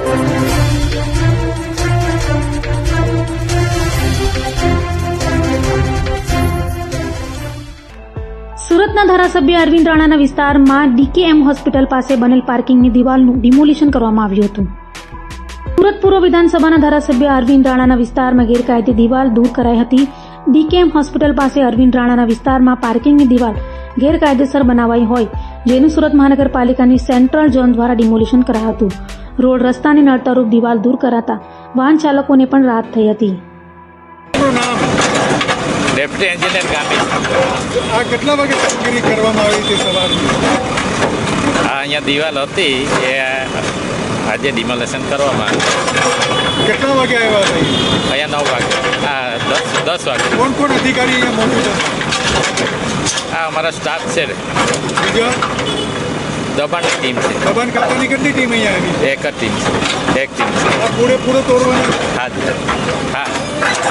સુરતના ધારાસભ્ય અરવિંદ રાણાના વિસ્તારમાં ડીકેએમ હોસ્પિટલ પાસે બનેલ પાર્કિંગની દિવાલનું ડિમોલિશન કરવામાં આવ્યું હતું. સુરત પૂર્વ વિધાનસભાના ધારાસભ્ય અરવિંદ રાણાના વિસ્તારમાં ગેરકાયદે દિવાલ દૂર કરાઈ હતી. ડીકેએમ હોસ્પિટલ પાસે અરવિંદ રાણાના વિસ્તારમાં પાર્કિંગની દિવાલ ગેરકાયદેસર બનાવાઈ હોય, જેનું સુરત મહાનગરપાલિકાની સેન્ટ્રલ ઝોન દ્વારા ડિમોલિશન કરાયું હતું. રોડ રસ્તાની નડતરરૂપ દિવાલ દૂર કરાતા વાહન ચાલકોને પણ રાહત થઈ હતી. Deputy engineer Gami. આ કેટલા વાગે કામગીરી કરવામાં આવી હતી સવારની? અહીંયા દિવાલ હતી એ આજે ડિમોલેશન કરવામાં આવી. કેટલા વાગે આવ્યા હતા? અહીંયા 9 વાગે. 10 વાગે. કોણ કોણ અધિકારી અહીંયા મોજૂદ હતા? અમારા સ્ટાફ છે. બીજા દબાણની ટીમ છે. દબાણ ખાતાની કેટલી ટીમ અહીંયા આવી? એક જ ટીમ છે. એક ટીમ છે. આ પૂરેપૂરો તોડવાની? હા.